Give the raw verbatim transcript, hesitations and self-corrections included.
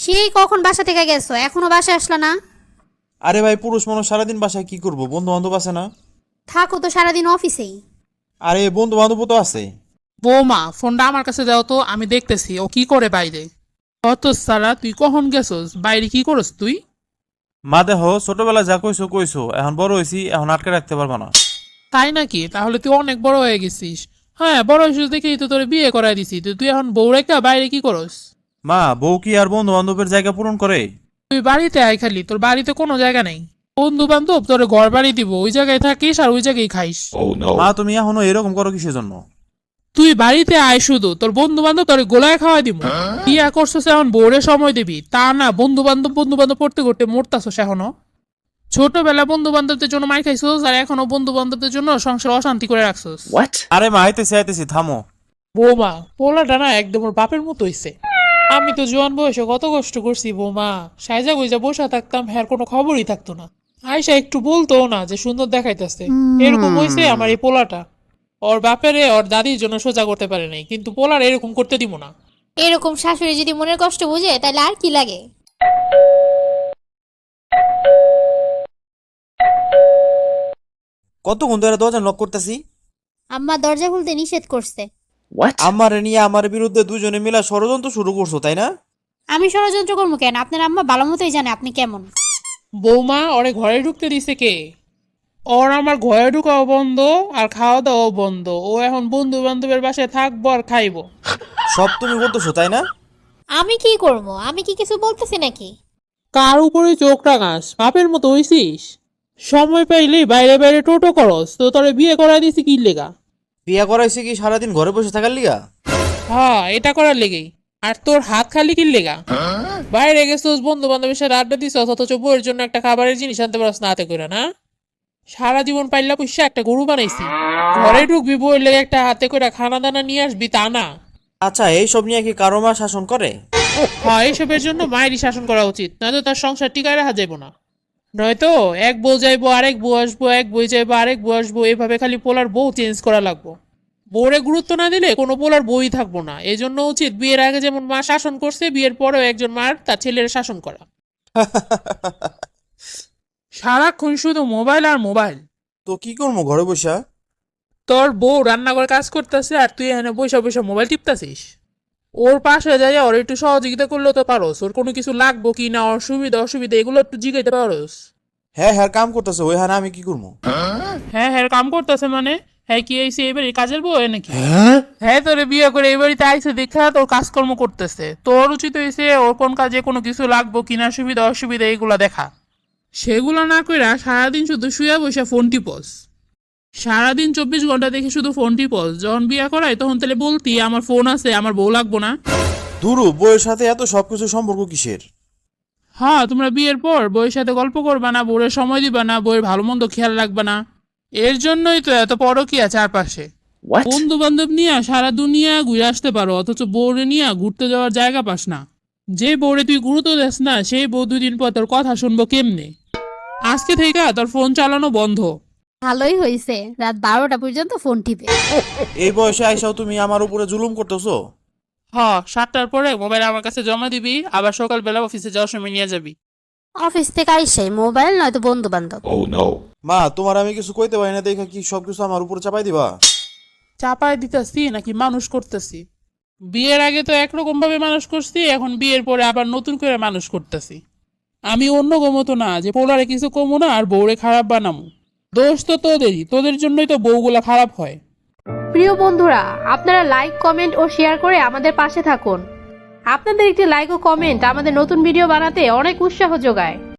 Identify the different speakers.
Speaker 1: সেই কখন বাসা থেকে গেছো, এখনো বাসায় আসলা না?
Speaker 2: আরে ভাই, পুরুষ মানুষ সারাদিন বাসায় কি করবো, বন্ধু বান্ধব আছে না?
Speaker 1: থাকো তো সারাদিন অফিসেই।
Speaker 2: আরে বন্ধু বান্ধব তো আছে।
Speaker 3: বৌমা, ফোনটা আমার কাছে দাও তো, আমি দেখতেছি ও কি করে বাইরে। অত সারা, তুই কখন গেছস বাইরে? কি করস তুই?
Speaker 2: মা দেহ, ছোটবেলা যা কইছো কইছো, এখন বড় হয়েছি, এখন আটকে রাখতে পারবা না।
Speaker 3: তাই নাকি? তাহলে তুই অনেক বড় হয়ে গেছিস। হ্যাঁ, বড় হয়েছিস দেখেই তো তোর বিয়ে করাই দিছি। তো তুই এখন বউ রেখা বাইরে কি করস?
Speaker 2: মা, বউ কি আর বন্ধু বান্ধবের জায়গা পূরণ করে?
Speaker 3: তুই বাড়িতে আয়, খালি তোর বাড়িতে কোনো জায়গা নেই। বন্ধু বান্ধব তোর ঘর বাড়ি দিব, ওই জায়গায় থাকিস আর ওই জায়গায় খাইস।
Speaker 2: মা, তুমি এখনো এরকম করো কিসের জন্য?
Speaker 3: তুই বাড়িতে আয়, শুধু তোর বন্ধু বান্ধব তোর গোলায় খাওয়াই দিব। বিয়া করছস এখন বউরে সময় দিবি, তা না বন্ধু বান্ধব বন্ধু বান্ধব পড়তে করতে মরতাছস এখনো। ছোটবেলা বন্ধু বান্ধবদের জন্য মাই খাইছস, আর এখনো বন্ধু বান্ধবদের জন্য সংসার অশান্তি করে রাখছস।
Speaker 2: আরে মা, আইতেছি আইতেছি, থামো।
Speaker 3: বৌমা, পোলাটা না একদম ওর বাপের মতো হইছে। আমি তো জোয়ান বয়সে কত কষ্ট করছি বৌমা, সাইজা গুইজা বসা থাকতাম, হ্যার কোনো খবরই থাকতো না। আয়সা একটু বলতো না যে সুন্দর দেখাইতেছে। এরকম হইছে আমার এই পোলাটা। ওর বাপেরে ওর দাদির জন্য সোজা করতে পারে নাই, কিন্তু পোলার এরকম করতে দিব না।
Speaker 1: এরকম শাশুড়ি যদি মনের কষ্ট বুঝে তাহলে আর কি লাগে।
Speaker 2: কতক্ষণ ধরে দরজা নক করতেছি?
Speaker 1: আম্মা দরজা খুলতে নিষেধ করছে।
Speaker 2: আমারে নিয়ে আমার বিরুদ্ধে দুজনে মিলা ষড়যন্ত্র শুরু করছো, তাই না?
Speaker 1: আমি ষড়যন্ত্র করবো কেন? আপনার আম্মা ভালো মতোই জানে আপনি কেমন।
Speaker 3: বৌমা, ওরে ঘরে ঢুকতে দিছে কে? ওর আমার ঘরে ঢুকাও বন্ধ আর খাওয়া দাওয়াও বন্ধ। ও এখন বন্ধু বান্ধবের বাসায় থাকবো আর খাইবো।
Speaker 2: সব তুমি বলতেছো, তাই না?
Speaker 1: আমি কি করবো? আমি কি কিছু বলতেছি নাকি?
Speaker 3: কার উপরে চোখ রাঙাস? বাপের মতো হইছিস। সময় পাইলেই বাইরে বাইরে টোটো করস, তো তোরে বিয়ে করাই দিছি কি লেগা?
Speaker 2: বিয়া করাইছে কি সারাদিন ঘরে বসে থাকার লিগা?
Speaker 3: হ্যাঁ, এটা করার লেগেই। আর তোর হাত খালি কি লেগা? বাইরে গেছিস বন্ধু বান্ধবের সাথে আড্ডা দিছস, অথচ বউয়ের জন্য একটা খাবারের জিনিস আনতে পারস না হাতে করে, না? সারা জীবন পাইলা পুষা একটা গরু বানাইছি, ঘরে ঢুকবি বউয়ের লেগে একটা হাতে করে খানা দানা নিয়ে আসবি, তা না।
Speaker 2: আচ্ছা, এইসব নিয়ে কি কারো মা শাসন করে?
Speaker 3: হ্যাঁ, এইসবের জন্য মায়েরই শাসন করা উচিত, নয়তো তার সংসার টিকায় রাখা যাইব না। নয়তো এক বউ যাইবো, আরেক বউ আসবো, এক বই যাইবো, আরেক বউ আসবো, এভাবে খালি পোলার বউ চেঞ্জ করা লাগবো। বউরে গুরুত্ব না দিলে কোনো পোলার বই থাকবো না। এই জন্য উচিত বিয়ের আগে যেমন মা শাসন করছে, বিয়ের পরেও একজন মার তার ছেলের শাসন করা। সারাক্ষণ শুধু মোবাইল আর মোবাইল।
Speaker 2: তো কি করবো ঘরে বসা?
Speaker 3: তোর বউ রান্নাঘর কাজ করতেছে আর তুই এখানে বসে বসে মোবাইল টিপতাছিস। ওর পাশে যাই ওর একটু সহযোগিতা করলেও তো পারোস। ওর কোনো কিছু লাগবো কি না, ওর সুবিধা অসুবিধা এগুলো একটু জিগাইতে পারোস।
Speaker 2: হ্যাঁ হ্যাঁ, কাম করতেছে ওই, হ্যাঁ আমি কি করবো?
Speaker 3: হ্যাঁ হ্যাঁ, কাম করতেছে মানে? হ্যাঁ, কি আইসে এবারে কাজের বউ নাকি? হ্যাঁ, তোরে বিয়ে করে এবারিতে আইসে দেখা তোর কাজকর্ম করতেছে। তোর উচিত হয়েছে ওর কোন কাজে কোনো কিছু লাগবো কিনা, সুবিধা অসুবিধা এগুলা দেখা। সেগুলো না কইরা সারাদিন শুধু শুয়ে বসে ফোন টিপস। সারাদিন চব্বিশ ঘন্টা দেখে শুধু ফোন টিপস। যখন বিয়ে করাই তখন তাহলে বলতি আমার ফোন আছে, আমার বউ লাগবো না।
Speaker 2: দুরু, বউয়ের সাথে এত সবকিছু সম্পর্ক কিসের?
Speaker 3: হ্যাঁ, তোমরা বিয়ের পর বউয়ের সাথে গল্প করবা না, বউয়ের সময় দিবা না, বউয়ের ভালো মন্দ খেয়াল রাখবা না। এর জন্যই তো এত পরকীয়া চারপাশে। বন্ধু বান্ধব নিয়ে সারা দুনিয়া ঘুরে আসতে পারো, অথচ বউরে নিয়ে ঘুরতে যাওয়ার জায়গা পাস না। যে বউরে তুই গুরুত্ব দেস না, সেই বউ দুদিন পর তোর কথা শুনবো কেমনে? আজকে থেকে তোর ফোন চালানো বন্ধ।
Speaker 1: ভালোই হয়েছে, রাত বারোটা পর্যন্ত ফোন টিপে।
Speaker 2: এই বয়সে আইসাও তুমি আমার উপরে জুলুম করতেছো।
Speaker 3: হ্যাঁ, সাতটার পরে মোবাইল আমার কাছে জমা দিবি, আবার সকালবেলা অফিসে যাওয়ার সময় নিয়ে যাবি।
Speaker 1: অফিস থেকে আইসাই মোবাইল নয়তো বন্ধু বান্ধব।
Speaker 2: মা, তোমার আমি কিছু কইতে পারি না দেখে কি সবকিছু আমার উপরে চাপাই দিবা?
Speaker 3: চাপায় দিতেছি নাকি মানুষ করতেছি? বিয়ের আগে তো একরকম ভাবে মানুষ করছি, এখন বিয়ের পরে আবার নতুন করে মানুষ করতেছি। আমি অন্য গমতো না যে পোলারে কিছু কমো না আর বউরে খারাপ বানামো। দোষ তো তোদেরই, তোদের জন্যই তো বউগুলা খারাপ হয়।
Speaker 4: প্রিয় বন্ধুরা, আপনারা লাইক, কমেন্ট ও শেয়ার করে আমাদের পাশে থাকুন। আপনাদের একটি লাইক ও কমেন্ট আমাদের নতুন ভিডিও বানাতে অনেক উৎসাহ যোগায়।